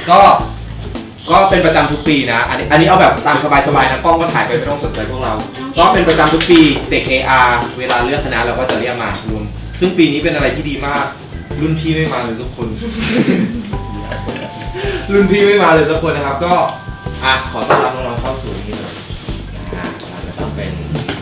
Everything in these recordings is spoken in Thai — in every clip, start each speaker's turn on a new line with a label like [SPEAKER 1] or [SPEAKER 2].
[SPEAKER 1] ก็เป็นประจำทุกปีนะอันนี้เอาแบบตามสบายๆนะกล้องก็ถ่ายไปไม่ต้องสนใจพวกเราก็เป็นประจำทุกปีเด็ก AR เวลาเลือกคณะเราก็จะเรียกมารวมซึ่งปีนี้เป็นอะไรที่ดีมากรุ่นพี่ไม่มาเลยทุกคน รุ่นพี่ไม่มาเลยสักคนนะครับก็ขอต้อนรับน้องๆเข้าสู่นี่เลยเราจะต้องเป็น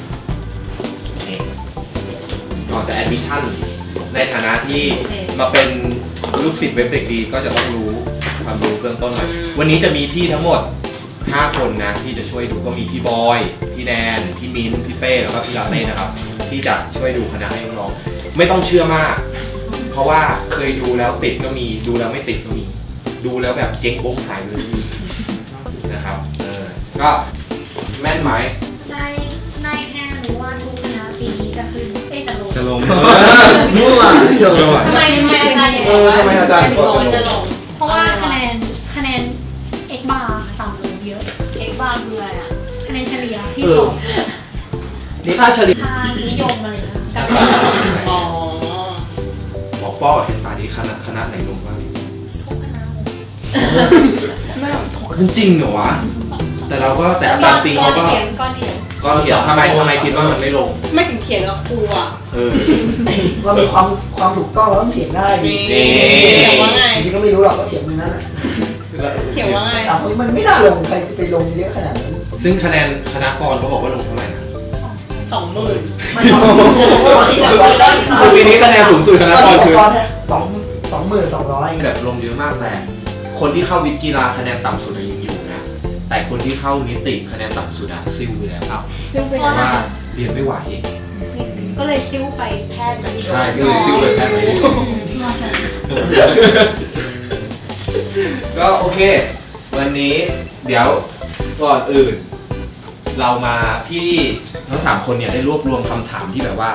[SPEAKER 1] ก่อนจะแอดมิชชั่นในฐานะที่มาเป็นลูกศิษย์เว็บเด็กดีก็จะต้องรู้ความรู้เบื้องต้นหน่อยวันนี้จะมีพี่ทั้งหมด5คนนะที่จะช่วยดูก็มีพี่บอยพี่แนนพี่มิ้นพี่เป้แล้วก็พี่ลาเต้นะครับที่จะช่วยดูคณะให้น้องๆไม่ต้องเชื่อมากเพราะว่าเคยดูแล้วติดก็มีดูแล้วไม่ติดก็มีดูแล้วแบบเจ๊งโบ้งหายเลยนะครับก็แม่นไหม
[SPEAKER 2] ในแง่หรือว่าทุกคณะปีนี้จะขึ้นจะลง
[SPEAKER 3] มั่ว
[SPEAKER 2] ทำไมอาจารย์อย่างนี้
[SPEAKER 1] ทำไมอาจารย์
[SPEAKER 2] จะลงเพราะว่าคะแนน x bar ต่ำลงเยอะ x bar คืออะไรอ่ะคะแนนเฉลี่ยที่สอบ
[SPEAKER 1] นี่ค่าเฉลี่ย
[SPEAKER 2] ค่านิยมอะไรนะ
[SPEAKER 1] บอกป้อเห็นตาดีคณะไหนลงบ้าง
[SPEAKER 2] ทุกคณะ
[SPEAKER 1] จริงเหรอวะแต่เราก็แต่อาจารย์ปิงเขาก็ก็เขียนทำไมคิดว่ามันไม่ลง
[SPEAKER 4] ไม่ถึงเขียนกับครูอ่ะ
[SPEAKER 3] ว่ามีความถูกต้องแล้วต้องเขียนได้
[SPEAKER 4] เขียนว่าไง
[SPEAKER 3] จริงก็ไม่รู้หรอกก็เขียนนั่นแหละ
[SPEAKER 4] เขียนว่าไง
[SPEAKER 3] มันไม่น่าลงใครไปลงเยอะขนาดนั้น
[SPEAKER 1] ซึ่งคะแนนคณะกรเขาบอกว่าลงเท่าไหร่นะ
[SPEAKER 4] 20,000
[SPEAKER 3] ไม่
[SPEAKER 1] ปีนี้คะแนนสูงสุดคณะกรคือ
[SPEAKER 3] 22,200
[SPEAKER 1] แบบลงเยอะมากแต่คนที่เข้าวิทย์กีฬาคะแนนต่ำสุดยังอยู่นะแต่คนที่เข้านิติคะแนนต่ำสุดซิ่วไปแล้วครับเพราะว่าเรียนไม่ไหว
[SPEAKER 2] ก็เลยซิ่วไปแพทย์มา
[SPEAKER 1] ใช่ก็เลยซิ่วไปแพทย์มาก็โอเควันนี้เดี๋ยวก่อนอื่นเรามาพี่ทั้ง3คนเนี่ยได้รวบรวมคำถามที่แบบว่า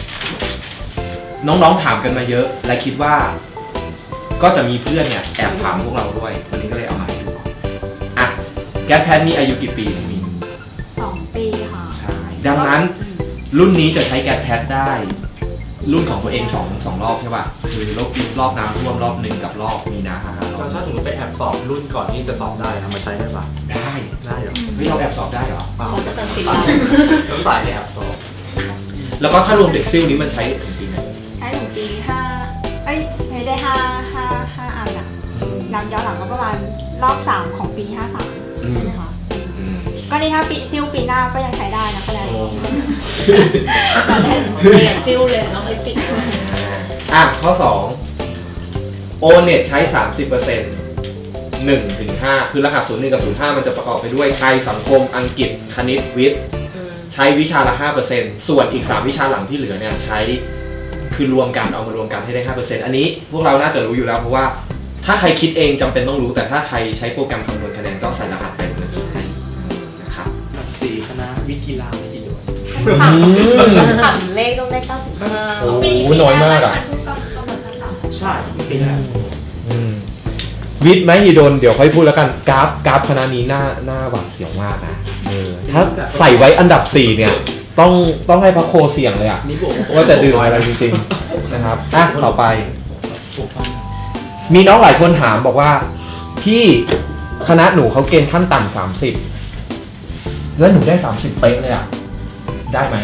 [SPEAKER 1] น้องๆถามกันมาเยอะและคิดว่าก็จะมีเพื่อนเนี่ยแอบถามพวกเราด้วยวันนี้ก็เลยเอามาให้ดูแก๊สแพทมีอายุกี่ปีมี
[SPEAKER 2] 2 ปีค่ะ
[SPEAKER 1] ใช่ดังนั้นรุ่นนี้จะใช้แก๊สแพทได้รุ่นของตัวเอง2รอบใช่ป่ะคือรอบน้ำท่วมรอบ1กับรอบมีนา
[SPEAKER 5] ถ้าสมมติไปแอบสอบรุ่นก่อนนี่จะสอบได้นะมาใช้ได้ป่ะ
[SPEAKER 1] ได้
[SPEAKER 5] เหรอ
[SPEAKER 1] ไม่เราแอบสอบได้เหรอ
[SPEAKER 2] เขาจะตัดสิน
[SPEAKER 5] ต้องสายแอบสอบ
[SPEAKER 1] แล้วก็ถ้ารวมเด็กซิ่วนี้มันใช้ถึงปีไหน
[SPEAKER 2] ใช้ถึงปี5ได้5อันอ่ะย้อนหลังก็ประมาณรอบ3ของปี53ใช่ไหมคะก็นี่ถ้าปีซิ่วปีหน้าก็ยังใช้ได้นะคะแล้วซิ่วเลยน้องลิปิก
[SPEAKER 1] ข้อ2 โอเน็ตใช้ 30% 1 ถึง 5คือรหัส01กับ05มันจะประกอบไปด้วยไทยสังคมอังกฤษคณิตวิทย์ใช้วิชาละ 5% ส่วนอีก3วิชาหลังที่เหลือเนี่ยใช้คือรวมกันเอามารวมกันให้ได้ 5% อันนี้พวกเราน่าจะรู้อยู่แล้วเพราะว่าถ้าใครคิดเองจำเป็นต้องรู้แต่ถ้าใครใช้โปรแกรมคำนวณคะแนนก็ใส่รหัสไปมันคิดให้นะครับ
[SPEAKER 5] 4คณะวิทย์กีฬาไม่ดีด้วย
[SPEAKER 2] ต่ำเลขต้องได้95
[SPEAKER 1] โอ้โหน้อยมากอ่ะ
[SPEAKER 5] ใช่ปีแรก
[SPEAKER 1] วิทย์ไหมฮีโดนเดี๋ยวค่อยพูดแล้วกันกราฟคณะนี้หน้าหวาดเสียวมากนะถ้าใส่ไว้อันดับ4เนี่ยต้องให้พระโคเสี่ยงเลยอ่ะว่าจะดื่มอะไรจริงๆนะครับต่อไปมีน้องหลายคนถามบอกว่าพี่คณะหนูเขาเกณฑ์ขั้นต่ำ30แล้วหนูได้30เป๊ะเลยอ่ะได้ไหม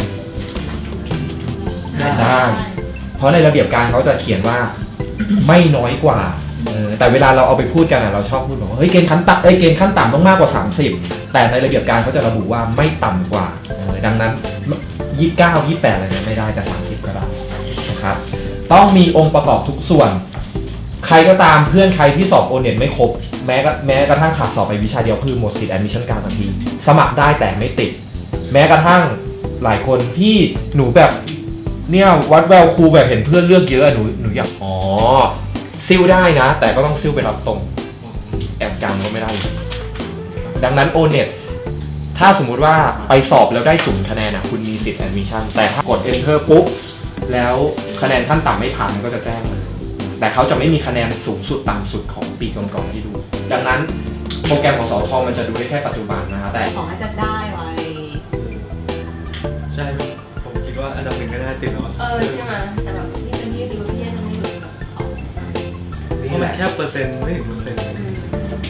[SPEAKER 1] ได้เพราะในระเบียบการเขาจะเขียนว่าไม่น้อยกว่าแต่เวลาเราเอาไปพูดกันเราชอบพูดบอกว่าเฮ้ยเกณฑ์ขั้นต่ำต้องมากกว่า30แต่ในระเบียบการเขาจะระบุว่าไม่ต่ำกว่าดังนั้น29 28อะไรเนี่ยไม่ได้แต่30ก็ได้นะครับต้องมีองค์ประกอบทุกส่วนใครก็ตามเพื่อนใครที่สอบโอเน็ตไม่ครบแม้กระทั่งขาดสอบไปวิชาเดียวคือหมดสิทธิ์แอดมิชชั่นการทันทีสมัครได้แต่ไม่ติดแม้กระทั่งหลายคนพี่หนูแบบเนี่ยวัดแววครูแบบเห็นเพื่อนเลือกเยอะหนูอยากซิลได้นะแต่ก็ต้องซิลไปรับตรงแอบกันก็ไม่ได้ดังนั้นโอเน็ตถ้าสมมุติว่าไปสอบแล้วได้0คะแนนคุณมีสิทธิ์แอดมิชชั่นแต่ถ้ากด Enter ปุ๊บแล้วคะแนนขั้นต่ำไม่ผ่านมันก็จะแจ้งเลยแต่เขาจะไม่มีคะแนนสูงสุดต่ำสุดของปีก่อนๆที่ดูดังนั้นโปรแกรมของสทมันจะดูได้แค่ปัจจุบันนะคะแต่
[SPEAKER 2] ของอาจารย์ได้ไว้
[SPEAKER 5] ใช่ผมคิดว่าอันดับ1ก็ได้ติดแล้ว
[SPEAKER 2] ใช่ไหมแต่แบบที่เป็นที่ดูที่ยังไม่รู้แบบเขา
[SPEAKER 5] เพราะมันแค่เปอร์เซ็นต์ไม่ถึงเปอร์เซ็นต์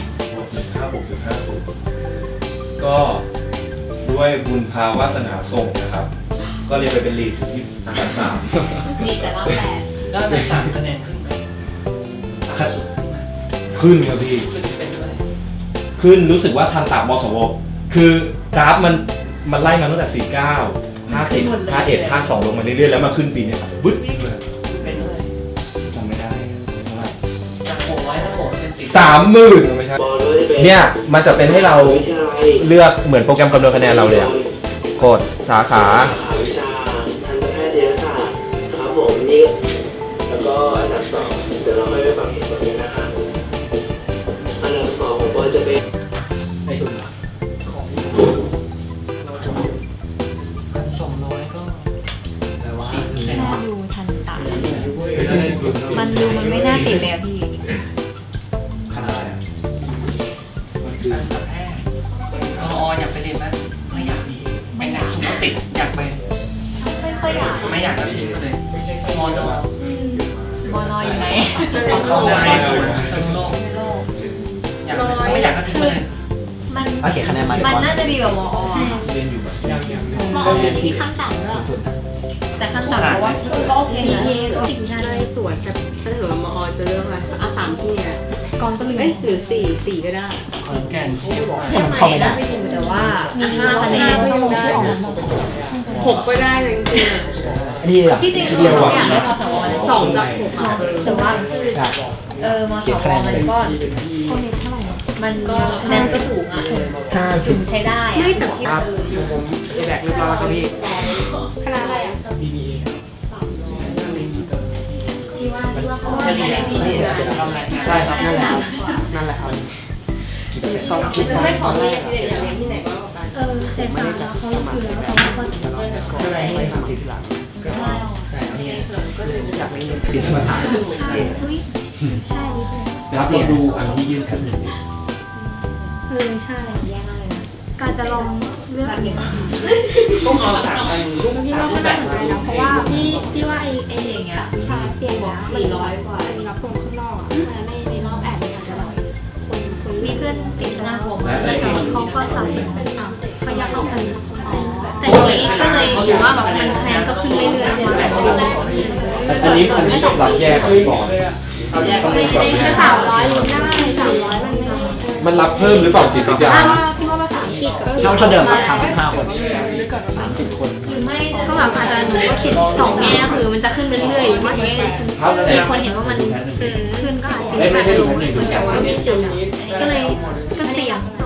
[SPEAKER 5] 6.50 ก็ด้วยบุญภาวาสนาส่งนะครับ ก็เรียนไปเป็นลีดอยู่ที่อันดับ
[SPEAKER 4] มีแต่รอบแปด
[SPEAKER 6] แล้วใน3คะแนนขึ้นไหม
[SPEAKER 5] 3ขึ้นครับพี่
[SPEAKER 6] ขึ้นเป็นเท่าไหร่
[SPEAKER 5] ขึ้นรู้สึกว่าทันตามสวคือกราฟมันไล่มาตั้งแต่ 49 50 51 52 ลงมาเรื่อยๆแล้วมาขึ้นปีนี้ครับบึ๊ดเลย
[SPEAKER 6] เป็นเท่าไหร่
[SPEAKER 5] จำไม่ได้เท่าไหร่
[SPEAKER 6] จาก600ถ้าผมเป็นติด
[SPEAKER 5] 30,000ไม่ใช่เนี่ยมันจะเป็นให้เราเลือกเหมือนโปรแกรมคำนวณคะแนนเราเลยอะกดสาขา
[SPEAKER 7] วิชาทันตแพทยศาสตร์ครับผมนี่แล้วก็อันดับ2เดี๋ยวเราค่อยไปฟังเหตุผลนี้นะคะอันดับ2ของปอยจะเป็น
[SPEAKER 6] ในทุนของเราจะ1,200ก็4%
[SPEAKER 2] แค่ดูทันตะมันดูมันไม่น่าติดเลยอะพี่
[SPEAKER 5] คณะอะไรอะ
[SPEAKER 6] การแพทย์อยากไปเรียนไหมไม่อยากไม่อยากสุขติดอยากไป
[SPEAKER 2] ไม่ค่อยอยาก
[SPEAKER 6] ไม่อยากก็ทิ้งไปเลยมอนอ
[SPEAKER 2] มอนอยอยู่ไหน
[SPEAKER 6] เข้าได้สนุโลกอยากไม่อยากก็ทิ้งไปเลย
[SPEAKER 2] มัน
[SPEAKER 3] โอเคคะแนนมา
[SPEAKER 2] มันน่าจะดีกว่ามอ
[SPEAKER 5] เรียนอยู่แบบยัง
[SPEAKER 2] มอมีที่ขั้นต่ำด้วยแต่ขั้นต่ำเพราะว่าก็โอเคนะก็สิ่งที่ได้สวน
[SPEAKER 4] แต่ถ้าถือว่ามอจะเลือกอะไรเอา3ที่เนี่ย
[SPEAKER 2] กองก็ลืม
[SPEAKER 4] เอ้ยหรือ4ก็ได้
[SPEAKER 6] ขอนแก่นเชียงใหม่
[SPEAKER 2] ใช่ไหมนะไม่ถูกแต่ว่ามี5คะแนนที่ออกมา
[SPEAKER 4] 6ก็ได้เลยจริงๆอะ
[SPEAKER 3] อันนี้แบบ
[SPEAKER 2] ที่จริงคือเราอยากได้พสวเลย
[SPEAKER 4] 2จาก6อ่ะ
[SPEAKER 2] แต่ว่าคือมสวมันก็มันก็คะแนนก็สูงอ่ะสูงใช้ได้อะ
[SPEAKER 4] ไม่แต่ที่
[SPEAKER 3] แบกเรียบร้อยแล้วครับพี่
[SPEAKER 2] คณะอะไรอ่ะ
[SPEAKER 6] BBA
[SPEAKER 2] ที่ว่าเขา
[SPEAKER 6] เฉลี่ย
[SPEAKER 3] ใช่ครับนั่นแหละครับนั่นแหละครับต้องคิด
[SPEAKER 4] คือไม่พอที่อยากเรียนที่ไหนก็แล้วกัน
[SPEAKER 2] เศษสารแล้วเขาอยู่แล้วเขาก็
[SPEAKER 3] ก็เลยไปทำสิ่งที่หลัง
[SPEAKER 2] ได้
[SPEAKER 3] แต่นี่จากไม่เรียนศิลปศาสตร์
[SPEAKER 2] ใช่ใช่
[SPEAKER 1] รับเราดูอันที่ยื่นขั้นหนึ่งดิ
[SPEAKER 2] ใช่แย่มากเลยนะการจะลองเลือกอย่าง
[SPEAKER 6] ต้องเอา3อันรูป
[SPEAKER 2] พี่ว่า
[SPEAKER 6] รู
[SPEAKER 2] ก็
[SPEAKER 6] ปแบ
[SPEAKER 2] ได้
[SPEAKER 6] บ
[SPEAKER 2] เหมือนกันนะเพราะว่าพี่ว่าไอ้อย่างเงี้ยวิชาเซียนเนี่ย400 กว่ามีรับคนข้างนอกอ่ะในรอบแอดเนี่ยอาจจะแบบคนมีเพื่อนติดหน้าผมแต่เขาก็ตัดสินเขาอยากเข้ากันแต่ทีนี้ก็เลยถือว่าแบบมันคะแนนก็ขึ้นเรื่อยๆมา
[SPEAKER 1] อันนี้รับแยกก่อน
[SPEAKER 6] เอาแยก
[SPEAKER 2] ในแค่300ลุ้นได้300
[SPEAKER 1] มันรับเพิ่มหรือเปล่าจิตวิทยา
[SPEAKER 2] พี่ว่าภาษาอังกฤษกับ
[SPEAKER 3] เท่าเดิมครับ35 คน30 คน
[SPEAKER 2] หรือไม่ก็แบบอาจารย์หนูก็เขียน2แง่คือมันจะขึ้นไปเรื่อยๆหรือว่ามีคนเห็นว่ามันขึ้นก็อาจจะ
[SPEAKER 1] ไม่ใช่ดูแค่หนึ่งดูแค่
[SPEAKER 2] แต่ว่าไม่เสี่ยงอันนี้ก็เลยก็เสี่ยง